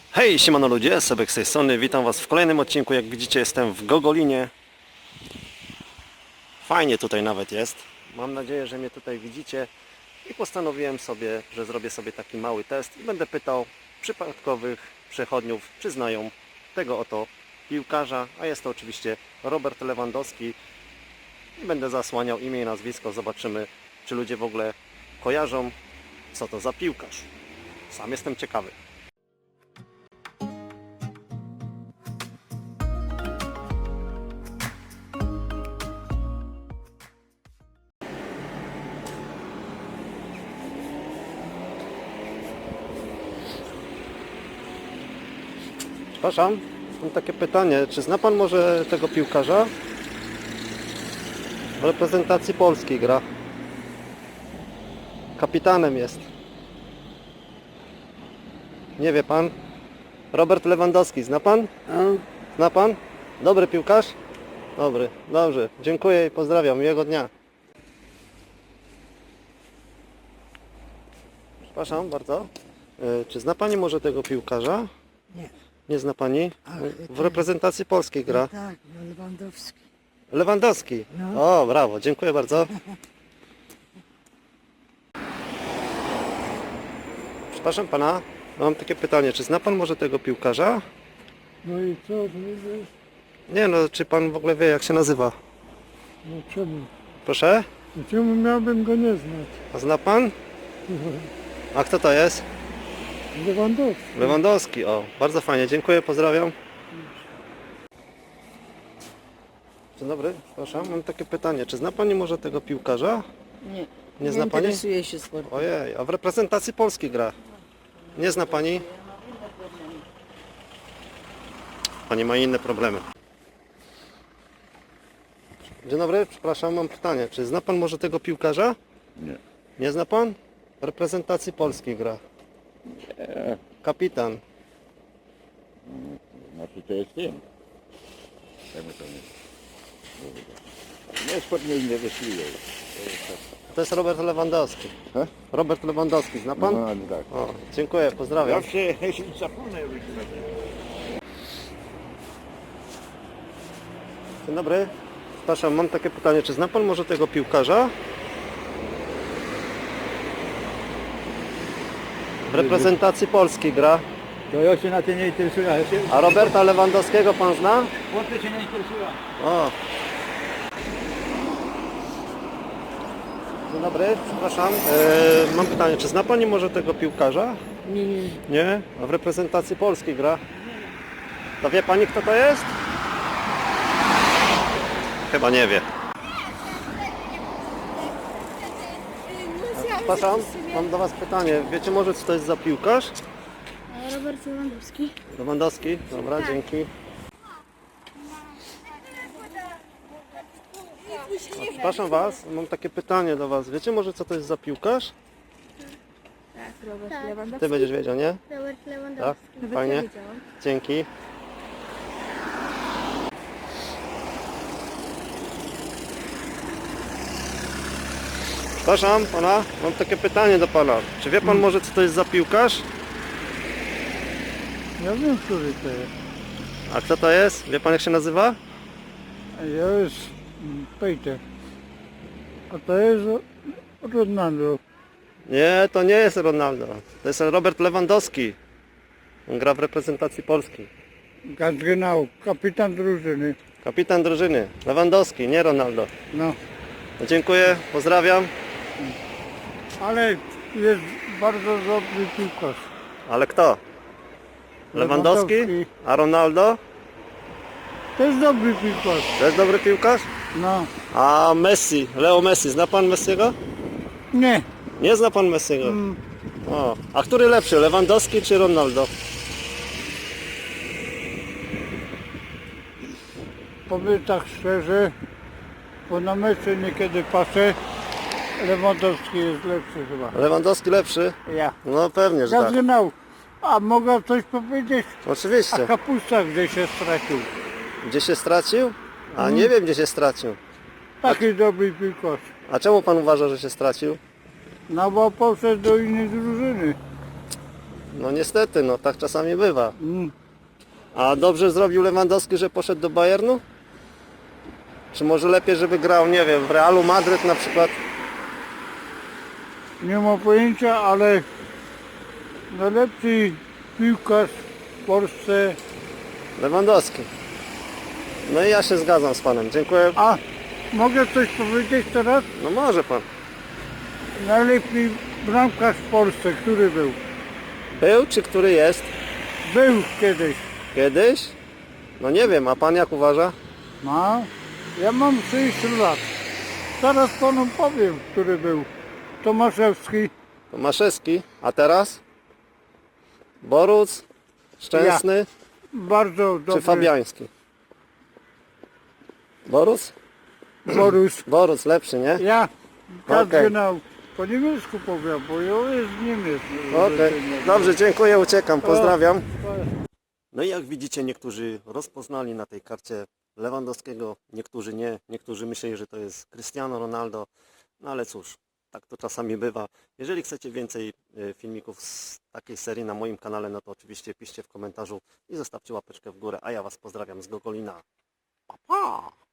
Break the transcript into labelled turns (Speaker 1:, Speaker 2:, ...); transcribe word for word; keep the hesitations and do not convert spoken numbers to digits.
Speaker 1: Hej, siemano ludzie, Sebek z tej strony, witam was w kolejnym odcinku. Jak widzicie, jestem w Gogolinie. Fajnie tutaj nawet jest. Mam nadzieję, że mnie tutaj widzicie. I postanowiłem sobie, że zrobię sobie taki mały test i będę pytał przypadkowych przechodniów, czy znają tego oto piłkarza, a jest to oczywiście Robert Lewandowski. I będę zasłaniał imię i nazwisko, zobaczymy, czy ludzie w ogóle kojarzą, co to za piłkarz. Sam jestem ciekawy. Przepraszam, mam takie pytanie, czy zna Pan może tego piłkarza? W reprezentacji Polski gra. Kapitanem jest. Nie wie Pan? Robert Lewandowski, zna Pan? Zna Pan? Dobry piłkarz? Dobry, dobrze. Dziękuję i pozdrawiam. Miłego dnia. Przepraszam bardzo. E, Czy zna Pani może tego piłkarza?
Speaker 2: Nie.
Speaker 1: Nie zna Pani?
Speaker 2: Ach,
Speaker 1: W
Speaker 2: to-
Speaker 1: reprezentacji Polskiej gra.
Speaker 2: No tak, no Lewandowski.
Speaker 1: Lewandowski.
Speaker 2: No.
Speaker 1: O, brawo, dziękuję bardzo. Przepraszam Pana, mam takie pytanie, czy zna Pan może tego piłkarza?
Speaker 2: No i co? To jest?
Speaker 1: Nie no, czy Pan w ogóle wie, jak się nazywa?
Speaker 2: No czemu?
Speaker 1: Proszę?
Speaker 2: No czemu miałbym go nie znać?
Speaker 1: A zna Pan? A kto to jest?
Speaker 2: Lewandowski.
Speaker 1: Lewandowski, o, bardzo fajnie, dziękuję, pozdrawiam. Dzień dobry, przepraszam, mam takie pytanie, czy zna Pani może tego piłkarza?
Speaker 3: Nie.
Speaker 1: Nie zna Pani?
Speaker 3: interesuje się sportem.
Speaker 1: Ojej, a w reprezentacji Polski gra. Nie zna Pani? Pani ma inne problemy. Dzień dobry, przepraszam, mam pytanie. Czy zna Pan może tego piłkarza?
Speaker 4: Nie.
Speaker 1: Nie zna Pan? W reprezentacji Polski gra.
Speaker 4: Nie.
Speaker 1: Kapitan.
Speaker 4: Znaczy to jest tym. Czemu to nie? Nie, sport mnie nie interesuje.
Speaker 1: To jest Robert Lewandowski.
Speaker 4: He?
Speaker 1: Robert Lewandowski, zna Pan?
Speaker 4: No, no tak.
Speaker 1: O, dziękuję, pozdrawiam.
Speaker 4: Zawsze jeśli zapomnę już.
Speaker 1: Dzień dobry. Przepraszam, mam takie pytanie. Czy zna Pan może tego piłkarza? W reprezentacji Polski gra.
Speaker 5: To ja się na tym nie interesuję. Ja się...
Speaker 1: A Roberta Lewandowskiego Pan zna?
Speaker 5: Chłopcy się nie interesują.
Speaker 1: O. Dzień dobry, przepraszam. E, mam pytanie, czy zna Pani może tego piłkarza?
Speaker 3: Nie, nie.
Speaker 1: Nie? A w reprezentacji Polski gra. To wie Pani, kto to jest? Chyba nie wie. Przepraszam, mam do Was pytanie. Wiecie może, co to jest za piłkarz?
Speaker 6: Robert Lewandowski.
Speaker 1: Lewandowski? Dobra, dzięki. A, przepraszam Was, mam takie pytanie do Was. Wiecie może, co to jest za piłkarz?
Speaker 6: Tak, Robert Lewandowski.
Speaker 1: Ty będziesz wiedział, nie?
Speaker 6: Robert
Speaker 1: Tak?
Speaker 6: Lewandowski.
Speaker 1: Fajnie. Dzięki. Przepraszam Pana, mam takie pytanie do Pana. Czy wie Pan może, co to jest za piłkarz?
Speaker 2: Ja wiem, który to jest.
Speaker 1: A kto to jest? Wie Pan, jak się nazywa?
Speaker 2: Ja jest mm, Peter. A to jest Ronaldo.
Speaker 1: Nie, to nie jest Ronaldo. To jest Robert Lewandowski. On gra w reprezentacji Polski.
Speaker 2: Ganz genau. Kapitan drużyny.
Speaker 1: Kapitan drużyny. Lewandowski, nie Ronaldo.
Speaker 2: No.
Speaker 1: No, dziękuję, pozdrawiam.
Speaker 2: Ale jest bardzo dobry piłkarz.
Speaker 1: Ale kto? Lewandowski?
Speaker 2: Lewandowski.
Speaker 1: A Ronaldo?
Speaker 2: To jest dobry piłkarz.
Speaker 1: To jest dobry piłkarz?
Speaker 2: No.
Speaker 1: A Messi, Leo Messi, zna Pan Messiego?
Speaker 2: Nie.
Speaker 1: Nie zna Pan Messiego?
Speaker 2: Mm.
Speaker 1: O, a który lepszy, Lewandowski czy Ronaldo?
Speaker 2: Powiem tak szczerze, bo na mecze niekiedy patrzę, Lewandowski jest lepszy chyba.
Speaker 1: Lewandowski lepszy?
Speaker 2: Ja.
Speaker 1: No pewnie, że tak.
Speaker 2: Zaczynał. A mogę coś powiedzieć? A
Speaker 1: Oczywiście.
Speaker 2: kapusta gdzie się stracił?
Speaker 1: Gdzie się stracił? A nie wiem, gdzie się stracił.
Speaker 2: Taki dobry piłkarz.
Speaker 1: A czemu Pan uważa, że się stracił?
Speaker 2: No bo poszedł do innej drużyny.
Speaker 1: No niestety, no tak czasami bywa.
Speaker 2: Mm.
Speaker 1: A dobrze zrobił Lewandowski, że poszedł do Bayernu? Czy może lepiej, żeby grał, nie wiem, w Realu Madryt na przykład?
Speaker 2: Nie mam pojęcia, ale najlepszy piłkarz w Polsce.
Speaker 1: Lewandowski. No i ja się zgadzam z panem, dziękuję.
Speaker 2: A mogę coś powiedzieć teraz?
Speaker 1: No może pan.
Speaker 2: Najlepszy bramkarz w Polsce, który był?
Speaker 1: Był czy który jest?
Speaker 2: Był kiedyś.
Speaker 1: Kiedyś? No nie wiem, a pan jak uważa?
Speaker 2: No, ja mam sześćdziesiąt lat. Zaraz panu powiem, który był. Tomaszewski.
Speaker 1: Tomaszewski, a teraz? Boruc? Szczęsny?
Speaker 2: Bardzo
Speaker 1: Czy
Speaker 2: dobry.
Speaker 1: Fabiański? Boruc?
Speaker 2: Borus.
Speaker 1: Boruc lepszy, nie?
Speaker 2: Ja
Speaker 1: Okej.
Speaker 2: kardynał. Po niemiecku powiem, bo ja jest Niemiec.
Speaker 1: Okej, dobrze, dziękuję, uciekam, pozdrawiam.
Speaker 2: O.
Speaker 1: No i jak widzicie, niektórzy rozpoznali na tej karcie Lewandowskiego, niektórzy nie, niektórzy myśleli, że to jest Cristiano Ronaldo, no ale cóż, tak to czasami bywa. Jeżeli chcecie więcej e, filmików z takiej serii na moim kanale, no to oczywiście piszcie w komentarzu i zostawcie łapeczkę w górę, a ja Was pozdrawiam z Gogolina. Pa, pa!